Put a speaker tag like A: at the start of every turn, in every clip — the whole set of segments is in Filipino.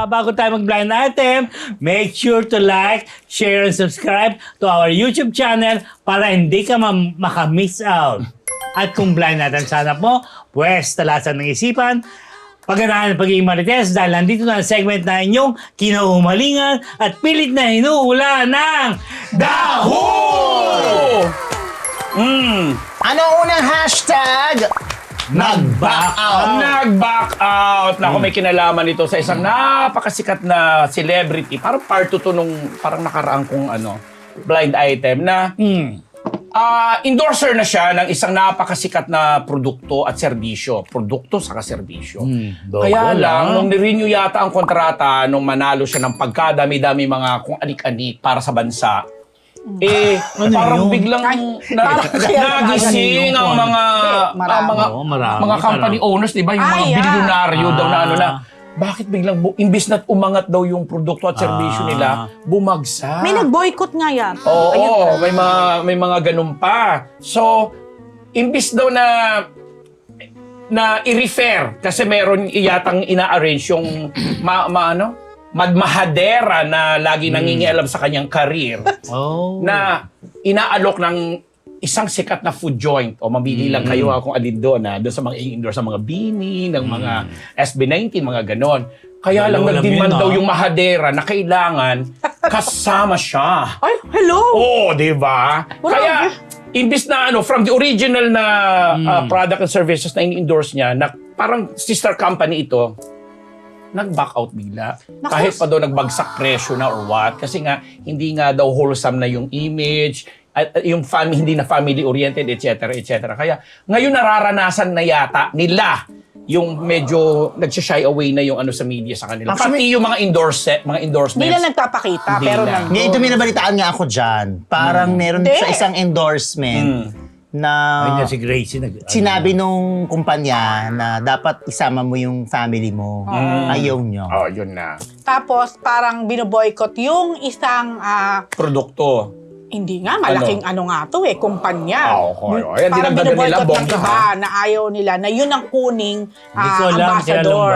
A: bago tayo mag-blind item, make sure to like, share, and subscribe to our YouTube channel para hindi ka makamiss out. At kung blind item sana mo, pwes talasan ng isipan, pagganahan ng pagiging marites dahil nandito na ang segment na inyong kinahumalingan at pilit na hinuhula ng DAHO!
B: Ano unang hashtag?
A: Nag-back out!
C: Nag-back out! Naku, may kinalaman ito sa isang napakasikat na celebrity. Parang part 2 to nung parang nakaraang kong blind item na endorser na siya ng isang napakasikat na produkto at serbisyo. Produkto saka serbisyo. Kaya lang, nung nirenew yata ang kontrata, nung manalo siya ng pagkadami-dami mga kung anik-anik para sa bansa, parang biglang nagising ang mga company owners, di ba? Yung mga bilyonaryo daw na bakit biglang imbis na umangat daw yung produkto at serbisyo nila, bumagsak.
D: May nag-boycott nga yan.
C: Oo, may mga ganun pa. So, imbis daw na i-refer kasi meron yatang ina-arrange yung madmahadera na lagi nangingialam sa kanyang career na inaalok ng isang sikat na food joint o mabili lang kayo kung alin doon sa mga indoor sa mga bini ng mga SB19 mga ganon. Kaya lang nagdemand daw yung mahadera na kailangan kasama siya.
D: Ay, hello!
C: Oo, di ba? Kaya imbis na from the original na product and services na in-endorse niya na parang sister company ito, nag-back out bigla. Kahit pa daw nagbagsak presyo na or what. Kasi nga, hindi nga daw wholesome na yung image, at yung hindi na family-oriented, etc. etc. Kaya ngayon nararanasan na yata nila yung medyo nagsashy away na yung sa media sa kanila. Pati yung mga endorsements.
D: Hindi na nagpapakita, pero nandun.
B: Ngayon, ito minabalitaan nga ako dyan. Parang meron sa isang endorsement na
A: si Gracie
B: sinabi nung kumpanya na dapat isama mo yung family mo. Ayaw nyo.
C: Oh, yun na.
D: Tapos, parang binoboycott yung isang
C: Produkto.
D: hindi nga, malaking nga to kumpanya.
C: Ayan,
D: Parang
C: dinagdagan nila
D: binoboycott ng
C: bongga,
D: iba na ayaw nila na yun ang kuning
A: Hindi ko alam,
D: ambassador.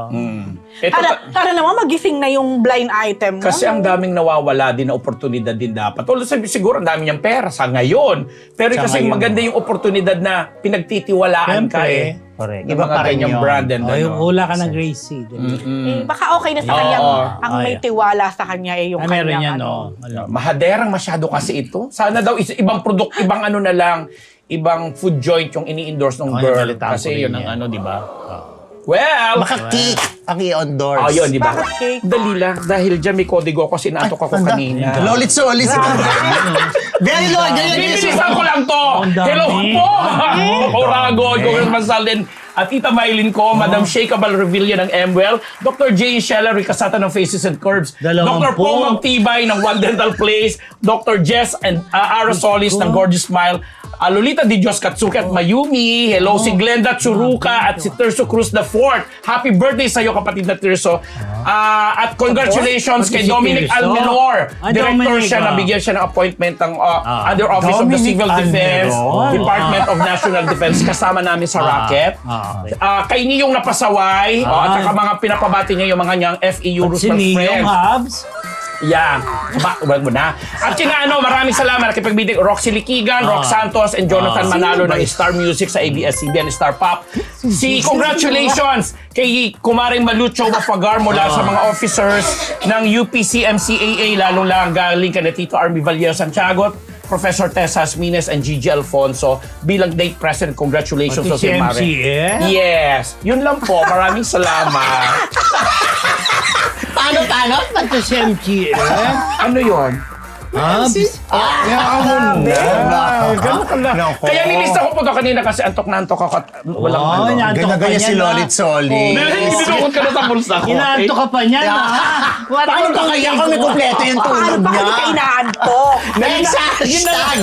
C: Ito,
D: Naman magising na yung blind item mo.
C: kasi ang daming nawawala din na oportunidad din dapat. Although siguro ang dami niyang pera sa ngayon. Pero
A: Sa
C: kasi
A: ngayon.
C: maganda yung oportunidad na pinagtitiwalaan ka
B: Correct.
C: Iba pa rin yung brand and
A: hula ka ng Gracie.
D: Baka okay na sa kanya. Ang may tiwala sa kanya yung
A: Meron
D: kanyang
A: yan,
C: Mahaderang masyado kasi ito. Sana daw ibang product, ibang na lang, ibang food joint yung ini-endorse ng girl.
A: nalitaan ko
C: Kasi
A: rin
C: yun ang
A: yan.
C: di ba? Well,
B: Baka cake ang i-endorse.
C: yun, di ba?
D: Bakit cake?
C: Dali lang. Dahil dyan may kodigo ako, sinatok ako kanina.
B: Lolit solis. Very Lord.
C: Bibilisan ko lang to!
A: Ang dami.
C: Hello po! Oragon, Congressman Saldin, at Tita Maylin ko, Madam Shea Cabal Revilla ng MWell, Dr. J. Shella Ricasata ng Faces and Curves, Dr. Paul Magtibay ng One Dental Place, Dr. Jess and Arasolis ng Gorgeous Smile, Lolita Di Dios Katsuki at Mayumi. Hello, si Glenda Churuca at si Tirso Cruz IV. Happy birthday sa iyo, kapatid na Tirso. At congratulations kay
A: si
C: Dominic
A: Tirso?
C: Almenor. Director
A: Dominic,
C: siya, nabigyan siya ng appointment ng Under Office of the
A: Dominic
C: Civil Defense,
A: Almenor.
C: Department of National Defense. Kasama namin sa Rocket.
A: Okay.
C: Kay Niyong Napasaway, at saka mga pinapabati niya yung mga niyang FEU
A: Si
C: Roosevelt
A: Niyong
C: friends.
A: Habs.
C: Yeah. Wag mo na. At kina maraming salamat nakipagbiting Roxy Liquigan, Rox Santos, and Jonathan Manalo ng Star Music sa ABS-CBN Star Pop. Congratulations kay Kumaring Malucho Wafagar mula sa mga officers ng UPC-MCAA, lalong lang galing kay Tito Army Vallejo Santiago, Professor Tessa Asmines, and Gigi Alfonso bilang date president. Congratulations
A: Pati si
C: Mare.
A: MCA?
C: Yes. Yun lang po. Maraming salamat.
B: Paano?
A: Ito si MCA.
C: Ano yun?
A: Habs.
C: Kaya nilista ko po ito kanina kasi antok na antok ako at walang
B: Ganyan si Lolit Solis.
C: Binukod ka na sa bulsa ko.
A: Inaanto ka pa niyan,
B: Paano ba kaya kami kompleto yung tulog
D: Paano ba
B: niya?
D: hindi ka inaantok?
B: Next hashtag!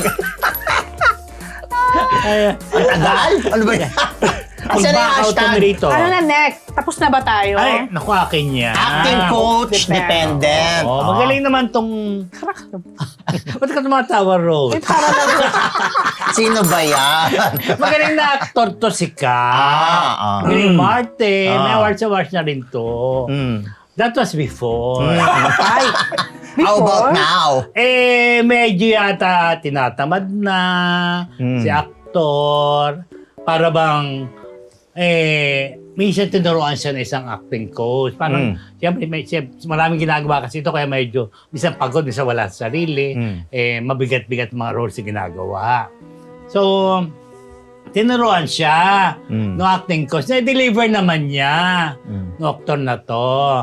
B: Ang tagal? Ano ba yan? Asan na yung
A: Mag-back out kami
B: hashtag?
A: rito.
D: Ano na next? Tapos na ba tayo?
A: Ay, naku, akin yan.
B: Acting coach dependent.
A: Magaling naman tong... Ba't ka tumatawa, Rose?
D: Para lang.
B: Sino ba yan?
A: Magaling na actor to si Ka. Magaling Martin. May awards na rin to. That was before.
D: Ay,
B: How about
D: before?
B: now?
A: Medyo yata tinatamad na si aktor. Para bang, minsan tinuruan siya ng isang acting coach. Parang, siyempre, maraming ginagawa kasi ito, kaya medyo, minsan pagod, minsan wala sa sarili. Mabigat-bigat mga roles yung ginagawa. So, tinuruan siya ng acting coach. Na-deliver naman niya ng actor na to.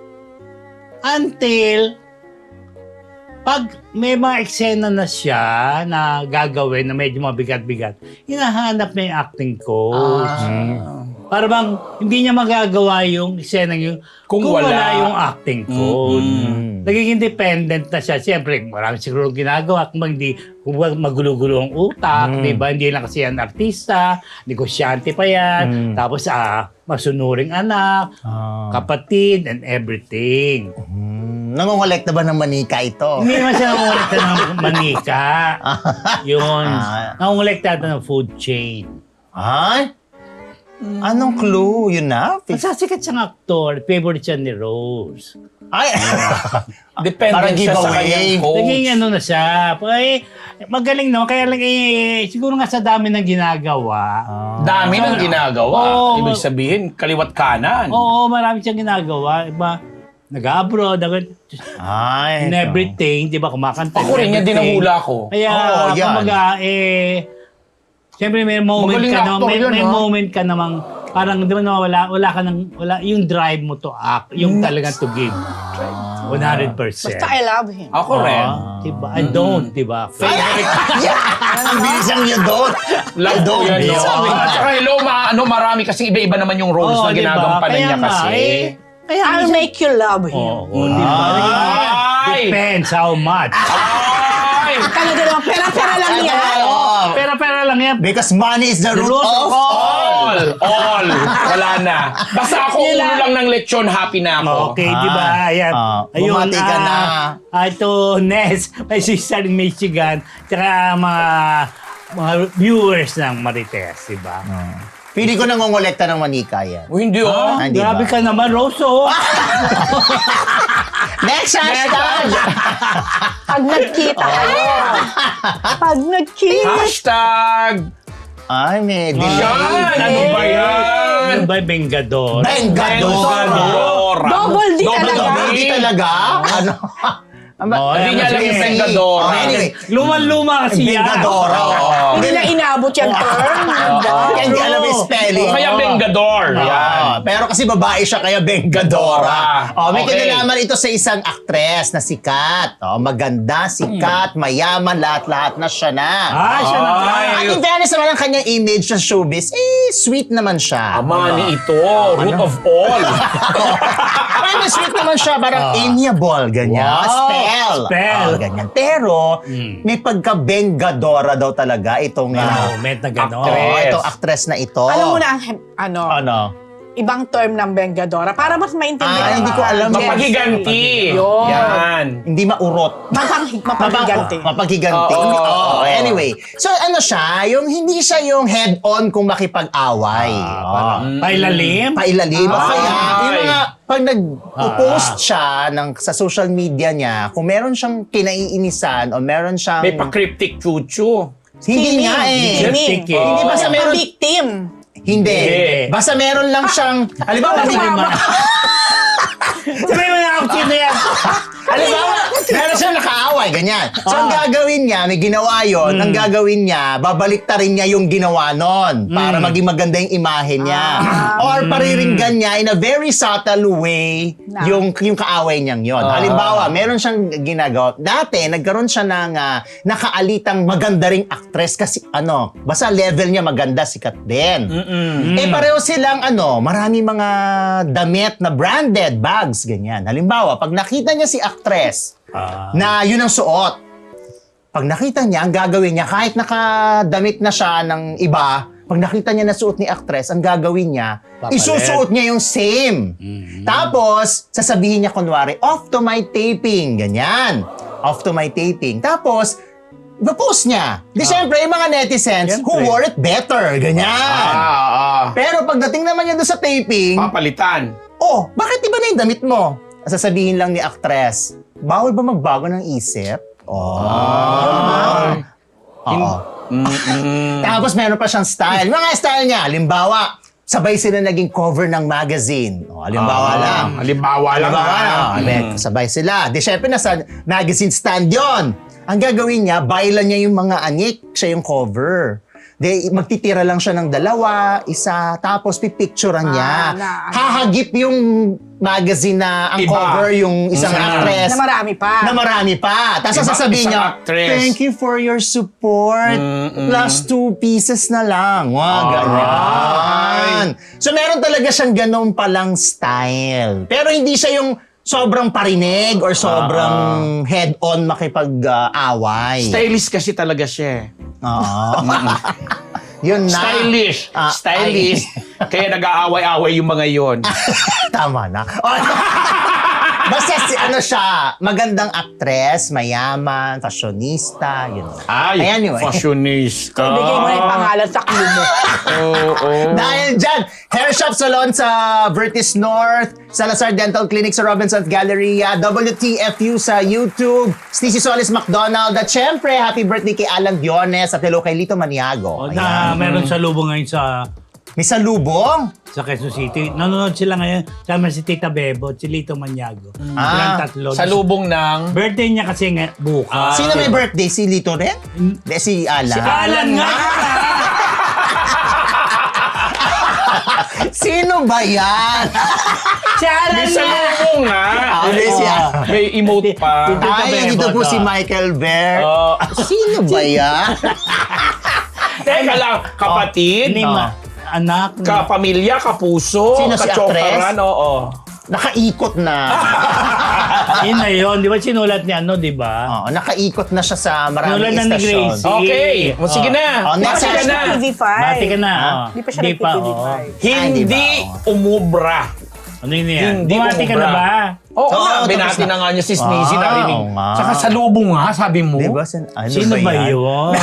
A: Until, pag may mga eksena na siya na gagawin na medyo mabigat-bigat, hinahanap niya yung acting coach. Para bang hindi niya magagawa yung eksena yung
C: Kung wala.
A: yung acting coach. Nagiging dependent na siya. Siyempre, marami siguro ginagawa. Kung magulo-gulo ang utak, di ba? Hindi lang kasi yan artista, negosyante pa yan. Tapos, masunuring anak, kapatid, and everything.
B: Nangongolekta ba ng manika ito?
A: Hindi naman siya nangungulekta ng manika. Yun. Nangungulekta ito ng food chain.
B: Ay? Anong clue? Yun na?
A: Masasikat siyang aktor. Favorite siya ni Rose.
B: Ay!
C: Dependent
B: Parang
C: siya sa
B: giveaway.
C: kanyang coach.
A: Naging ano na siya. Magaling no. Kaya lang siguro nga sa dami ng ginagawa.
C: Dami ng ginagawa.
A: Oo.
C: Ibig sabihin, kaliwat kanan.
A: Oo, marami siyang ginagawa. Iba, nag-abroad,
B: Ay.
A: in everything. Di ba, kumakanta.
C: Ako rin, yan din ang hula ko.
A: Kaya,
B: Oo, yan.
A: kumbaga, siyempre may moment
C: Magaling
A: ka
C: na
A: na,
C: actor yun,
A: may
C: ha?
A: moment ka namang, parang di ba nawawala, wala, yung drive mo to act, yung talagang to give. 100%.
D: Basta I love him.
C: Ako rin.
A: Diba? I don't, diba?
B: Ang bilis ang you don't.
C: Love ko yan, no?
B: Sabi
C: At saka hello, marami kasi iba-iba naman yung roles na ginagampanan niya kasi.
A: Kaya
D: I'll make you love him.
A: Oo, diba?
C: Ay!
A: Depends how much.
C: Ay!
D: Talaga naman, pera-pera lang yan.
A: Pera-pera lang yan.
B: Because money is the root
A: root
B: of
C: All! Wala na. Basta ako ulo lang ng lechon, happy na ako.
A: Okay, di ba? Ayan.
B: Bumati ka na.
A: Ito, Ness, may sister in Michigan, tsaka mga viewers ng Marites, di ba?
B: Pili ko nangongolekta ng manika yan.
C: O hindi oh.
B: Hindi
A: Grabe
B: ba?
A: ka naman, Roso.
B: Next hashtag!
D: Pag nagkita kayo. Pag nagkita.
C: Hashtag!
B: Ay, may delay.
C: Yan! Ano ba yan?
A: Ano ba, Bengador?
B: Bengador!
D: Double D talaga.
B: Double D talaga? Ano?
C: Hindi niya alam yung Bengador.
B: Anyway,
A: Luma-luma kasi yan.
B: Bengadora.
D: Hindi na inabot yung term.
B: Kaya hindi alam yung spelling.
C: Kaya Bengador. Yan.
B: Pero kasi babae siya, kaya Bengadora. May
C: Okay.
B: kinalaman ito sa isang aktres na sikat. Maganda, sikat, mayaman, lahat-lahat na siya na.
A: Siya na.
B: At in fairness naman ang kanyang image sa showbiz, sweet naman siya.
C: Amani ito. Root of all.
B: Parang sweet naman siya, parang amiable, ganyan.
A: Wow.
B: Spell. Ganyan. Pero, may pagka-Bengadora daw talaga itong
A: Moment na gano'n.
B: itong actress na ito.
D: Alam mo na,
B: Ano?
D: ibang term ng Bengadora para mas maintindihan.
B: Hindi ko alam.
C: Mapagiganti.
D: Yun.
C: Yan.
B: Hindi maurot.
D: Mapaghiganti.
B: Mapaghiganti.
C: Oo.
B: Anyway, so ano siya, hindi siya yung head-on kung makipag-away.
A: Pailalim?
B: Pailalim.
C: Ah.
B: Kaya, yung mga, pag nag-post
A: Ah.
B: siya sa social media niya, kung meron siyang kinaiinisan o meron siyang...
C: May pa-cryptic chuchu.
B: Hindi nga eh.
A: Cryptic eh.
B: Hindi basta meron...
D: victim.
B: Hindi.
C: Hindi.
B: Basta meron lang siyang... Halimbawa,
A: Sabi mo na ako sino yan.
B: halimbawa, meron siyang nakaaway, ganyan. So, ang gagawin niya, may ginawa yon, ang gagawin niya, babaliktarin niya yung ginawa nun para maging maganda yung imahe niya. Or pariringgan niya in a very subtle way yung kaaway niyang yon. Halimbawa, meron siyang ginagawa. Dati, nagkaroon siya ng nakaalitang maganda ring actress kasi basta level niya maganda, sikat din. Pareho silang marami mga damit na branded bags, ganyan. Halimbawa, pag nakita niya si actress na yun ang suot, pag nakita niya, ang gagawin niya, kahit nakadamit na siya ng iba, pag nakita niya na suot ni actress, ang gagawin niya,
A: Papalit.
B: isusuot niya yung same. Tapos, sasabihin niya kunwari, off to my taping, ganyan. Off to my taping. Tapos, ipapost niya. Di syempre, yung mga netizens, who wore it better, ganyan. Pero pagdating naman niya doon sa taping,
C: Papalitan.
B: oh, bakit iba na yung damit mo? Sasabihin lang ni actress, bawal ba magbago ng isip? Oo. Tapos meron pa siyang style. Mga style niya, halimbawa, sabay sila naging cover ng magazine. Halimbawa lang.
C: Halimbawa lang.
B: Sabay sila. Di syempre nasa magazine stand yon. Ang gagawin niya, bailan niya yung mga anik, siya yung cover. Di, magtitira lang siya ng 2, 1, tapos pipicturean niya. Hahagip yung magazine na ang
C: Iba.
B: cover yung isang actress.
D: Na marami pa.
B: Na marami pa. Tapos
C: Iba,
B: sasabihin
C: isang
B: niya,
C: actress.
B: thank you for your support. Plus 2 pieces na lang. Wow, ganyan. So meron talaga siyang ganun palang style. Pero hindi siya yung sobrang parinig or sobrang head-on makipag-away.
C: Stylist kasi talaga siya.
B: Oo. Yun na.
C: Stylish.
B: Ah,
C: Stylish. Kaya nag-aaway-away yung mga yon.
B: Tama na. Basta ano siya, magandang actress, mayaman, fashionista, yun.
C: Ay,
B: Anyway.
C: fashionista.
D: Ibigay mo na yung pangalan sa clue mo.
C: Oo.
B: Dahil dyan, hair shop salon sa Vertis North, Salazar Dental Clinic sa Robinson's Galleria, WTFU sa YouTube, Sneezy Solis McDonald, at syempre, happy birthday kay Alan Diones at hello kay Lito Maniago.
A: Na meron sa lubong ngayon
B: May salubong?
A: sa Quezon City. Nanonood sila ngayon. Sama si Tita Bebo at si Lito Maniago. Silang tatlo.
C: Sa lubong ng...
A: Birthday niya kasi nga bukas.
B: Sino may birthday? Si Lito rin? Hindi, si Alan.
A: Si Alan nga!
B: Sino ba yan?
A: Si Alan
C: May sa
A: nga!
C: lubong nga.
B: May si
C: May emote pa.
B: Ay, ito po si Michael Bear.
C: Oh.
B: Sino ba yan?
C: Teka lang, kapatid,
A: Anak.
C: kapamilya, kapuso,
B: Sino si
C: kachokaran, oo.
B: Nakaikot na.
A: Yun na yun. Di ba sinulat niya ano, di ba?
B: Oo, nakaikot na siya sa maraming
A: Sinulat na ni
B: istasyon.
A: Gracie.
C: Okay, o sige na.
B: Oh, next
C: Sige
B: question.
C: na.
D: TV5.
A: Mati ka na.
D: Hindi pa siya nag-TV5.
A: oo.
C: Hindi
B: Hindi
C: umubra.
A: Ano yun yan?
C: Hindi
A: Bumati ka na
C: umubra.
A: ba?
C: Oo,
B: Oo,
C: nga,
B: tapos
C: binati
B: na.
C: na nga niya si Sneezy,
B: Ah,
C: narinig.
B: oo nga.
C: Saka sa lubong nga, sabi mo.
B: Di ba? Ano
A: Sino ba yun?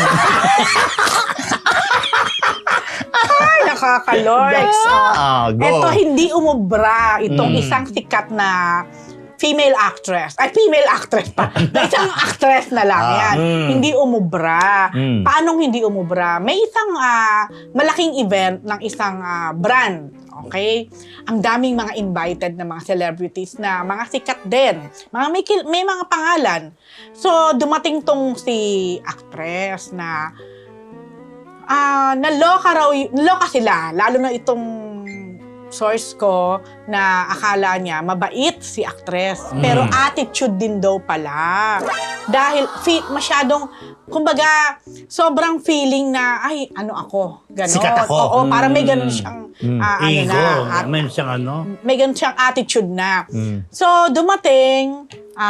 D: Ay, nakaka-lorks.
B: Go.
D: Ito, hindi umubra. Itong isang sikat na female actress. Ay, female actress pa. Na isang actress na lang yan. Hindi umubra. Paanong hindi umubra? May isang malaking event ng isang brand. Okay? Ang daming mga invited na mga celebrities na mga sikat din. May mga pangalan. So, dumating tong si actress na naloka sila. Lalo na itong source ko na akala niya mabait si actress. Pero attitude din daw pala. Dahil masyadong, kumbaga, sobrang feeling na, ay, ano ako? Ganon.
B: Sikat ako.
D: Oo, parang may ganon siyang,
A: Ego. May siyang ano?
D: may ganun siyang attitude na. So, dumating,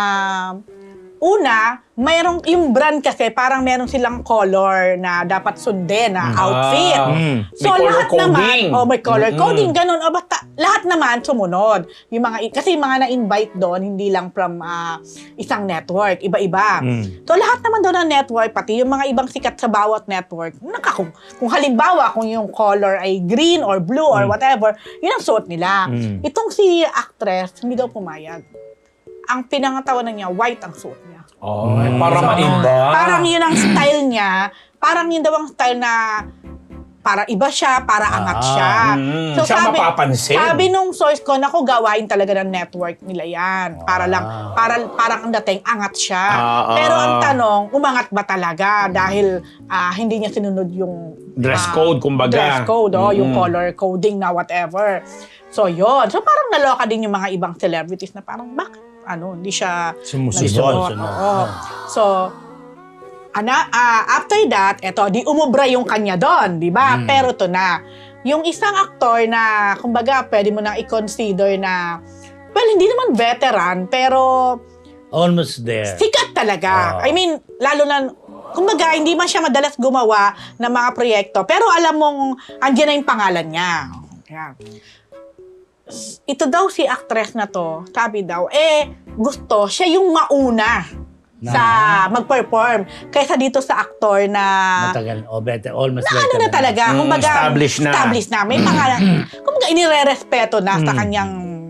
D: una, mayroong, yung brand kasi, parang meron silang color na dapat sundin na outfit. So,
C: May color
D: lahat
C: coding.
D: naman, may color coding, ganun. Basta, lahat naman sumunod. Yung kasi yung mga na-invite doon, hindi lang from isang network, iba-iba. So, lahat naman doon ng network, pati yung mga ibang sikat sa bawat network, kung halimbawa, kung yung color ay green or blue or whatever, yun ang suot nila. Itong si actress, hindi daw pumayag. Ang pinangatawanan niya, white ang suot niya.
C: Oh, para maiba.
D: Parang yun ang style niya. Parang yun daw ang style na para iba siya, para angat siya.
C: Siya mapapansin.
D: Sabi nung source ko, naku, gawain talaga ng network nila yan. Para lang, parang ang dating angat siya. Pero ang tanong, umangat ba talaga? Dahil hindi niya sinunod yung
C: Dress code, kumbaga.
D: Dress code, yung color coding na whatever. So, yun. So, parang naloka din yung mga ibang celebrities na parang, bakit? Hindi siya
A: Sumusunod.
D: Oo. So, after that, di umubra yung kanya doon, di ba? Pero to na. Yung isang aktor na, kumbaga, pwede mo nang i-consider na, well, hindi naman veteran, pero
A: Almost there.
D: sikat talaga. I mean, lalo na, kumbaga, hindi man siya madalas gumawa ng mga proyekto, pero alam mong, andyan na yung pangalan niya. Yan. Ito daw si actress na to, sabi daw, gusto siya yung mauna sa mag-perform kaysa dito sa aktor na
A: Matagal. Almost
D: na
A: veteran.
D: ano na talaga, kumbaga
C: established na.
D: May pangalan. Kumbaga, inire-respeto na sa kanyang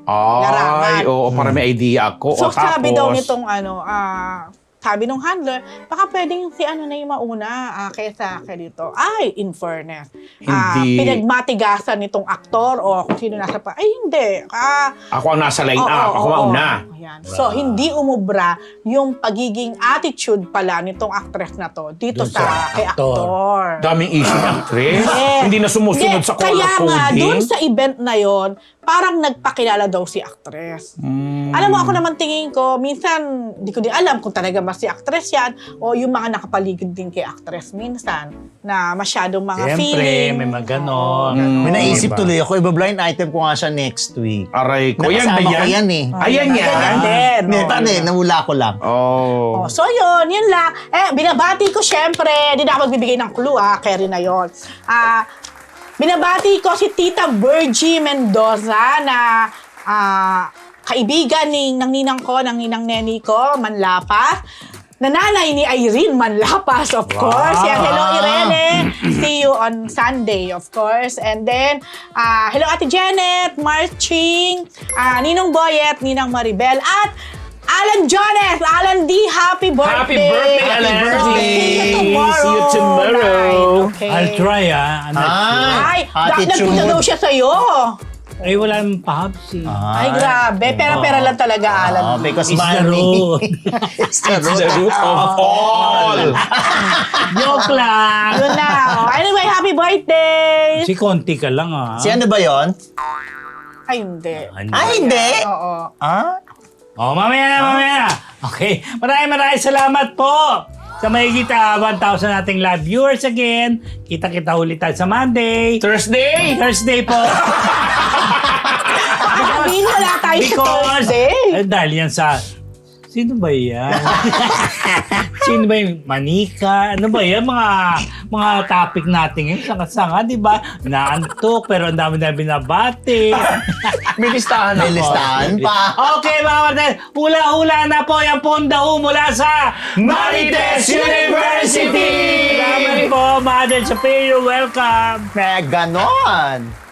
D: larangan.
C: oo, para may idea ako.
D: So,
C: O, tapos,
D: sabi daw nitong sabi nung handler, baka pwedeng si ano na yung mauna kaysa dito. Ay, in fairness.
C: Hindi.
D: Pinagmatigasan nitong aktor o kung sino nasa pa. Ay, hindi.
C: Ako ang nasa line
D: Oo,
C: up. Ako
D: oo,
C: mauna.
D: oo. Ayan. So, hindi umubra yung pagiging attitude pala nitong actress na to dito
A: Dun
D: sa
A: sa
D: kay
A: aktor.
D: aktor.
C: Daming issue ng actress.
D: Yes.
C: Hindi na sumusunod
D: Hindi,
C: sa color
D: kaya nga,
C: coding.
D: dun sa event na yon, parang nagpakilala daw si actress. Alam mo, ako naman tingin ko, minsan, di ko din alam kung talaga ba si actress yan o yung mga nakapaligid din kay actress minsan na masyadong mga
A: Siyempre,
D: feeling.
A: may mga ganon.
B: May naisip
A: Diba?
B: tuloy ako, iba-blind item ko nga siya next week.
C: Aray ko. Yan ba
B: Nakasama ko
C: yan?
B: yan eh.
C: Ayan yan.
D: Ganyan din.
B: Hindi,
D: Oo.
B: tane, nawala ko lang.
C: Oh.
D: So yun lang. Binabati ko syempre, di na ako magbibigay ng clue Kerry na yun. Binabati ko si Tita Virgie Mendoza na kaibigan ng ninang ko, ng ninang neni ko, Manlapas. Nanay ni Irene Manlapas, of course. Yan, hello Irene. See you on Sunday, of course. And then, hello Ate Janet, Marching, Ninong Boyet, Ninang Maribel, at Alan Jones, Alan D, happy birthday!
C: Happy birthday, Alan.
D: So,
C: Birthday.
D: see you tomorrow.
C: See you tomorrow.
D: night, okay?
A: I'll try, I'm not sure.
D: Ay,
B: Attitude.
D: nagpunta daw siya sa'yo.
A: Ay, wala namang pahabs eh.
D: Ay, grabe. Pera-pera lang talaga, Alan.
B: Because
A: It's the
B: money.
A: road.
B: It's the
C: It's the root of all.
A: Joke lang.
D: Yun na. Anyway, happy birthday!
A: Si Conti ka lang
B: Si ano ba yon?
D: Ay, hindi.
B: Hindi.
D: Oo.
A: Oh, mamaya na. Okay. Maraming salamat po sa mahigit 1,000 nating live viewers again. Kita-kita ulit tayo sa Monday.
C: Thursday.
A: Thursday po.
D: Sabihin wala tayo sa Thursday.
A: Dahil yan sa... Sino ba yan? Sino ba yung manika? Ano ba yan? Mga topic natin ngayon. Sanga-sanga, di ba? Naantok, pero ang dami-dami binabati.
C: May listahan
B: May
C: ako.
B: listahan pa.
A: Okay, mga kapatid. Hula-hula na po yung pundaw mula sa
C: Marites University!
A: Salamat po, Mother Superior. Welcome.
B: Ganon.